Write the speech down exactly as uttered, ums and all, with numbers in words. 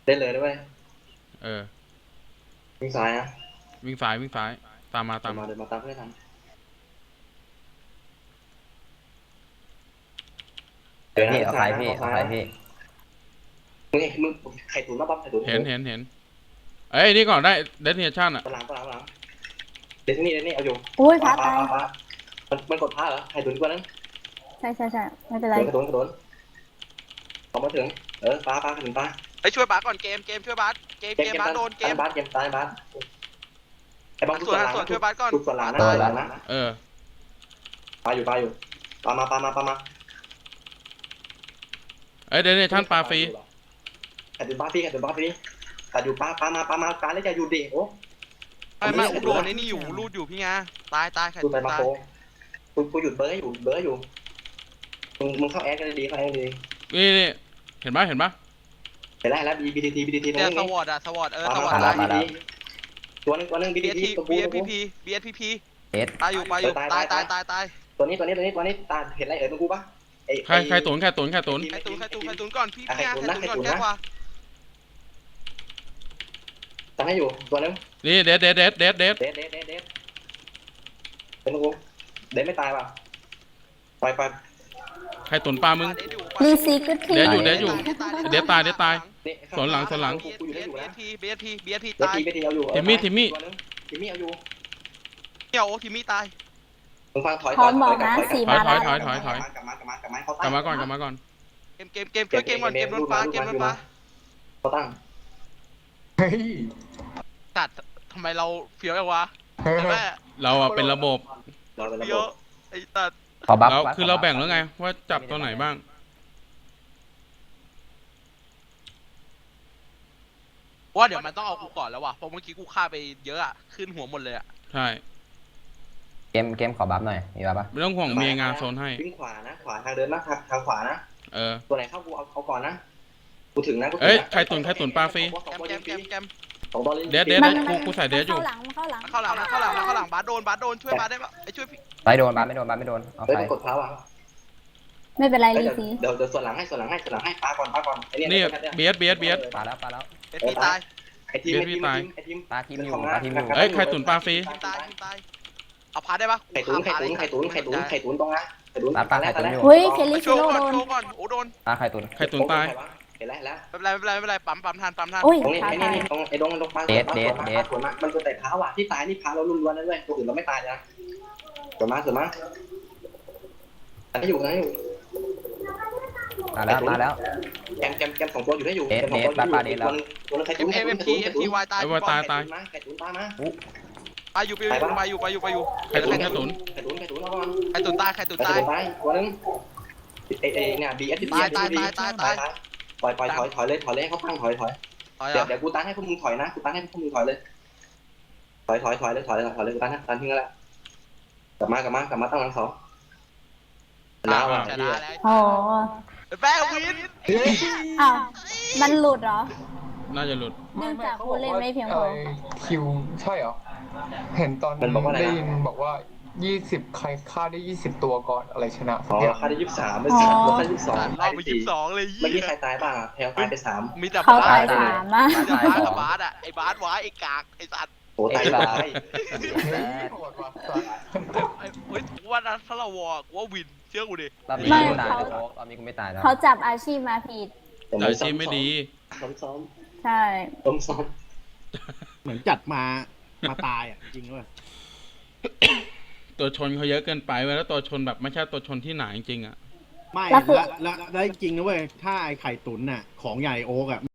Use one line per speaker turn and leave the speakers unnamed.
เล่นเลยด้วย
เออ
วิ่งซ้ายนะ
วิ่งซ้ายวิ่งซ้ายตามมาตาม
มา
มา
เดินมาตามเพื่อนทันเดี๋ยวนะ
พี่เอาใครพี่เอาใครพี่
มึงมึงไข่ตุ๋นมาปั๊บไข่ตุ๋น
เห็นเห็นเห็นเอ้ยนี่ก่อนได้เดสเนชั่นอ่ะ
ตารางตารางตารางเดี๋ยวนี่เดี๋ยวนี่เอาอยู่
อุ้ยพระตาย
มันมันกดพาเหรอไข่ตุ๋นกว่านั้น
ใช่ใช่ใช่ไม่เป็นไร
กระโดดกระโดดพอมาถึงเออปลาปลาถึงปลา
ไปช่วยบาสก่อนเกมเกมช่วยบาสเกมเกมบาสโดนเกม
บาสเกมตายบาสไอ้บอล
ส่วนส่วนช่วยบาสก่อน
ทุกส่วนหลังนะส่วนหลังนะ
เออ
ปลาอยู่ปลาอยู่ปลามาปลามาปลามา
เอ้ยเดสเนชั่นปลาฟรี
ไข่ตุ๋นปลาฟรีไข่ตุ๋นปลาฟรีแต่อยู่ปลาปลามาปลามาปลาแล้วจะอยู่ดิโอ้
ไม่ไม่อุดโดนไอ้นี่อยู่รูดอยู่พี่งาตายตายใคร
ดูไปมา
ตาย
โคกูกูหยุดเบอร์อยู่เบอร์อยู่มึงมึงเข้าแอดกันดีเข้าแอดดี
นี่นี่เห็นปะเห็นปะ
เห็นแล้วเห็นแล้วบีบีทีบีทีทีตรง
เดี๋ยว
นี้
สวอตอะสวอตเออสวอต
ตา
ตาย
ยตัวนึงตัวนึงบี
บี
ที
เอส
ที
พี
ตัว
บี
กู
เอสพีพีบีเอสพีพี
เอส
ตายอยู่ตายอยู่ตายตายตายตาย
ตัวนี้ตัวนี้ตัวนี้ตัวนี้ตาเห็นอะไรเอ่ยตัวกูปะ
ใครใครตุนใครตุนใครตุน
ใครตูนใครตูนใครตูนก่อนพี่พี่งาใครตูนก่อนแก้กว่า
ตั้งให้อยู่ตัวนึง
นี่เดสเดสเดสเดสเดส
เดดเดดเดดเดดเป็นกูเดดไม่ตายป่ะปล่อยปล่อย
ใครตุนปลามึง
รีซีก็ที
เดี๋ยวอยู่เดี๋ยวอยู่ เดี๋ยวตายเดี๋ยวตายสวนหลังสวนหลัง
กูอยู่ได้อยู่
บีเอ
นะ
สพีบีเอสพีบีเอสพี
เดด
ตาย
ทีเดดทีเอาอยู่
ทิมมี่ทิมมี่
ตัวนึงทิมมี่เอาอยู่
เกี่ยวโอ้ทีมี่ตาย
มึงฟังถอย
พร้อมบอกนะสี่
ถอย
มา
ถอ
แล้
ยว ถอยถอยถอย
กลับมากลับมากลับมาก
กลับมาก่อนกลับมาก่อน
เกมเกมเกมช่วยเกมก่อนเกมโดนฟ้าเกมโดนฟ้า
เขาตั้ง
เฮ้ย
ตัดทำไมเราเฟี้ยวจังวะแม่
เราอะเป็นระบบ
เราเป็นระ
เฟี้
บ
ยว
บ
ไอ้ตัด
ขอบัฟ
เราคือเราแบ่งแล้วไงว่าจับตัวไหนบ้าง
ว่าเดี๋ยวมันต้องเอากูก่อนแล้วว่ะเพราะเมื่อกี้กูฆ่าไปเยอะอะขึ้นหัวหมดเลยอะ
ใช่
เกมเกมขอบัฟหน่อยมีบัฟปะ
ไม่ต้องห่วงเมียงานโซนให้
วิ่งขวานะขวาทางเดินนะทางทางขวานะ
เออ
ตัวไหนเข้ากูเอาเอาก่อนนะกูถึงนะกูถึง
เอ้ยใครตุนใครตุนปลาฟรี
แกมแกมแกมแกม
สองบอลเลย
เดสเดส
มัน
กูกูใส่เดสอยู่
เข้าหลังเข้าหลัง
เข้าหลังนะเข้าหลังนะเข้าหลังบาสโดนบาสโดนช่วยบาสได้ปะไอ้ช่วยพี่
ไปโดนบัฟไม่โดนบัฟไม่โดนเอา
เฮ้ย
ไป
มันกดเท้าอ่ะ
ไม่เป็นไร
เดี๋
รี
ยว
ซี
เดี๋ยวเดี๋ยวส่วนหลังให้ส่วนหลังให้ส่วนหลังให้ปาก่อนปาก่อนไอ้เนี่ย
นี่เบียดเบียดเบียด
ปลาแล้วปลาแล้ว
เอสพีตาย
ไอ้ทีมไอ้ทีมไอ้ทีม
ปลาทีมอยู่ปลาทีมอยู่
เอ้ยใครตุนปลาฟรี
ทีมตายทีมตายเอาพาได้ปะ
ไข่ตุ๋นไข่ตุ๋นไข่ตุ๋นไข่ตุ๋นไข่ตุ๋นตรงนะไข่ตุ๋น
ปลาปลาไข่ตุ๋นอยู่
เฮ้ยเคลลี่
โช
ชิ
ว์
โร่
ก่อน
โดน
โชว์ก่อนโอ้โดน
ปลาไข่ตุ๋น
ใครตุนตาย
เห็นแล้วเห็นแล้ว
ไม่เป็นไรไม่เป็นไรไม่เป็นไรปั๊มปั๊มทันปั๊มทัน
อุ้ย
ตรงนี้
ขา
ไอ้
ตา
นี่
ย
ตรงไอ้ดงตรงปลาสวนมามันตัวแต่เท้าอ่ะที่ตายนี่พาเราลุ้นล้วนนั่นเลยตัวอื่นเราไม่ตายนะสวนมาสวนมาอันนี้อยู่อันนี้อยู่
มาแล้วมาแล้ว
แกมแกมแกมสองตัวอยู่ได้อยู่ตัวนึงไข่
เอ็
ตุ๋น
ม
ไข่
เอ็ม
ตุ๋
เอ็
น
มทีเอ็มทีวายตาย
ไอ้ว่าตายตาย
ไข่ตุ๋นตายมา
ไปอยู่ไปอยู่ไปอยู่ไปอยู่ไปอยู่
ใครตุนใครตุน
ไข่ตุ๋นไข่ตุ๋นเอาก่อน
ใครตุนตายใครตุน
ไข่
ตาย
ตุ๋นตายตัวนึงเอเอเนี่ยบีเอสบีปล่อยปล่อยถอยถอยเลยถอยเลยเขาตั้งถอยถอย
ถอย
เดี๋ยว
อ่ะ
เดี๋ยวกูตั้งให้พวกมึงถอยนะกูตั้งให้พวกมึงถอยเลยถอยถอยถอยเลยถอยเลยถอยเลยกูตั้งให้ตั้งทิ้งแล้วกลับมากลับมากลับมาตั้งหลังสองน้าว่ะ
ชนะแล้ว
โอ้
แป้งวิน
อ้าวมันหลุดเหรอ
น่าจะหลุด
เนื่องจากผู้เล่นไม่เพียงพอ
คิวใช่เหรอ เห็นตอนได้ยินบอกว่ายี่สิบใครฆ่าได้ยี่สิบตัวก่อนอะไรชนะสั
อ๋
ก
อ
อย่าง
ค่าได้ยี่สิบสามไม่สามลดได้ยี่สิบสอง
รอบไปยี่สิบสองเลย
เมื่อกี้
ยี่
ใครตายบ้างแพลวตายไปสาม
มีแต่
เขา
บา
ตาย
ส
สามนะ
มีแต่บาสกับบาสอ่ะไอ้บาสไว้ไอ้กากไอ้สัตว์
โอ้ตายตาย
โหดว่ะ
ไอ้เฮ้ยว่านั้นถ้าเราวอร์กูว่าวินเชื่อกูดิ
รอบนี้กูตายเลยโอ๊กรอบนี้กูไม่ตายแล้ว
เขาจับอาชีพมาผิด
แต่อาชีพไม่ดี
ซ้อมซ้อม
ใช่
ซ้อมซ้อม
เหมือนจัดมามาตายอ่ะ จริงด้วย
ตัวชนเขาเยอะเกินไปเว้ยแล้วตัวชนแบบไม่ใช่ตัวชนที่หนาจริงๆอ่ะ
ไม่แล้วแล้วแล้วจริงนะเว้ย ถ้าไอ้ไข่ตุ๋นน่ะ ของใหญ่โอ๊กอ่ะ